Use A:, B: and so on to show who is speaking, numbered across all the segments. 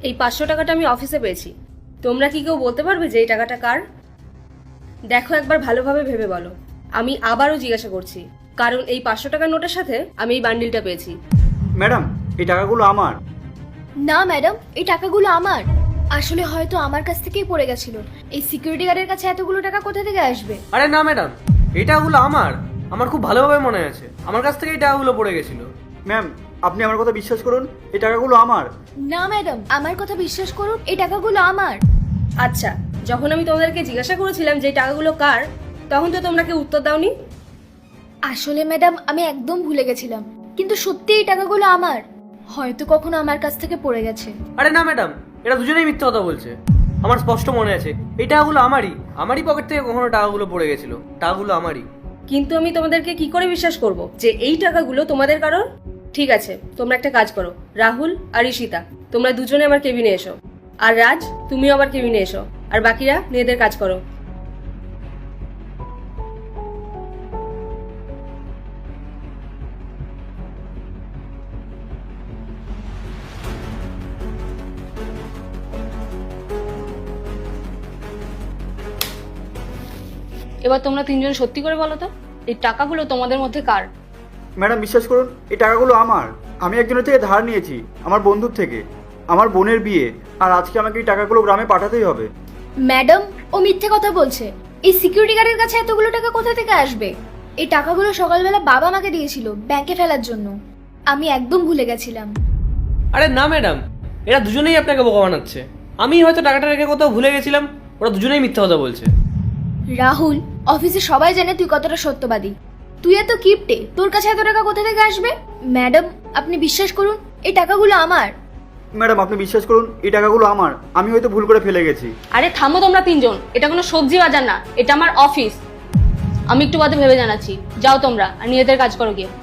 A: এই 500 টাকাটা আমি অফিসে পেয়েছি। তোমরা কি কেউ বলতে পারবে যে এই টাকাটা কার? দেখো, একবার ভালোভাবে ভেবে বলো। আমি আবারও জিজ্ঞাসা করছি, কারণ এই 500 টাকার নোটের সাথে আমি এই বান্ডিলটা পেয়েছি।
B: ম্যাডাম, এই টাকাগুলো আমার।
C: না ম্যাডাম, এই টাকাগুলো আমার। আসলে হয়তো আমার কাছ থেকেই পড়ে গেছিল। এই সিকিউরিটি গার্ডের কাছে এতগুলো টাকা কোথা থেকে আসবে?
D: আরে না ম্যাডাম, এই টাকাগুলো আমার খুব ভালোভাবে মনে আছে। আমার কাছ থেকে এই টাকাগুলো পড়ে গেছিল।
B: ম্যাম, আপনি আমার কথা বিশ্বাস করুন, এই টাকাগুলো আমার।
C: না ম্যাডাম, আমার কথা বিশ্বাস করুন, এই টাকাগুলো আমার।
A: আচ্ছা, যখন আমি তোমাদেরকে জিজ্ঞাসা করেছিলাম যে এই টাকাগুলো কার, তখন তো তোমরা কেউ উত্তর দাওনি।
C: আসলে ম্যাডাম, আমি একদম ভুলে গেছিলাম, কিন্তু সত্যি এই টাকাগুলো আমার। হয়তো কখনো আমার কাছ থেকে পড়ে গেছে।
D: আরে না ম্যাডাম, এরা দুজনেই মিথ্যা কথা বলছে। আমার স্পষ্ট মনে আছে এই টাকাগুলো আমারই পকেট থেকে কখনো টাকাগুলো পড়ে গেছিল। টাকাগুলো আমারই।
A: কিন্তু আমি তোমাদেরকে কি করে বিশ্বাস করব যে এই টাকাগুলো তোমাদের কারোর? ঠিক আছে, তোমরা একটা কাজ করো, রাহুল আর ঈশিতা, তোমরা দুজনে আমার কেবিনে এসো। আর রাজ, তুমিও আবার কেবিনে এসো। আর বাকিরা নিজেদের কাজ করো। এবার তোমরা তিনজন সত্যি করে বলো তো, এই টাকাগুলো তোমাদের মধ্যে কার?
B: ম্যাডাম, বিশ্বাস করুন, এই টাকাগুলো আমার। আমি একজনের থেকে ধার নিয়েছি, আমার বন্ধুর থেকে। আমার বোনের বিয়ে, আর আজকে আমাকে এই টাকাগুলো গ্রামে পাঠাতেই হবে।
C: ম্যাডাম, ও মিথ্যে কথা বলছে। এই সিকিউরিটি গার্ডের কাছে এতগুলো টাকা কোথা থেকে আসবে? এই টাকাগুলো সকালবেলা বাবা আমাকে দিয়েছিল ব্যাংকে ফেলার জন্য। আমি একদম ভুলে গেছিলাম।
D: আরে না ম্যাডাম, এরা দুজনেই আপনাকে বোকা বানাচ্ছে। আমি হয়তো টাকাটা রেখে কোথাও ভুলে গেছিলাম, ওরা দুজনেই মিথ্যা কথা বলছে।
C: রাহুল, অফিসে সবাই জানে তুই কতটা সত্যবাদী। তুই এত কিপটে, তোর কাছে এত টাকা কোথা থেকে আসবে? ম্যাডাম, আপনি বিশ্বাস করুন, এই টাকাগুলো আমার।
B: ম্যাডাম, আপনি বিশ্বাস করুন, এই টাকাগুলো আমার। আমি হয়তো ভুল করে ফেলে গেছি।
A: আরে থামো তোমরা তিনজন, এটা কোনো সবজি বাজার না, এটা আমার অফিস। আমি একটু বাদে ভেবে জানাচ্ছি। যাও তোমরা আর নিজেদের কাজ করো গিয়ে।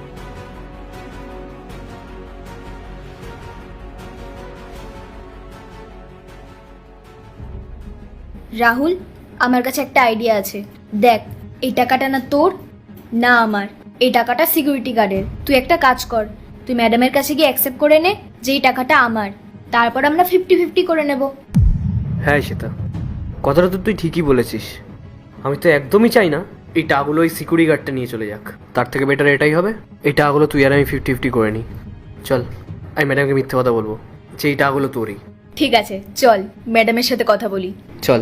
C: রাহুল, আমার কাছে একটা আইডিয়া আছে। দেখ, এই টাকাটা না তোর না আমার, এই টাকাটা সিকিউরিটি গার্ডের। তুই একটা কাজ কর, তুই ম্যাডামের কাছে গিয়ে অ্যাকসেপ্ট করে নে যে এই টাকাটা আমার। তারপর আমরা 50-50 করে নেব।
D: হ্যাঁ সেটা, কথাটা তো তুই ঠিকই বলেছিস। আমি তো একদমই চাই না এই টাকাগুলো ওই সিকিউরিটি গার্ডটা নিয়ে চলে যাক। তার থেকে বেটার এটাই হবে, এই টাকাগুলো তুই আর আমি 50-50 করে নিই। চল, আমি ম্যাডামকে মিথ্যে কথা বলবো যে এই টাকাগুলো তোরই।
C: ঠিক আছে, চল ম্যাডামের সাথে কথা বলি।
D: চল।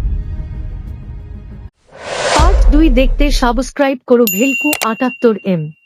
E: পার্ট 2 দেখতে সাবস্ক্রাইব করো ভেলকু 78M।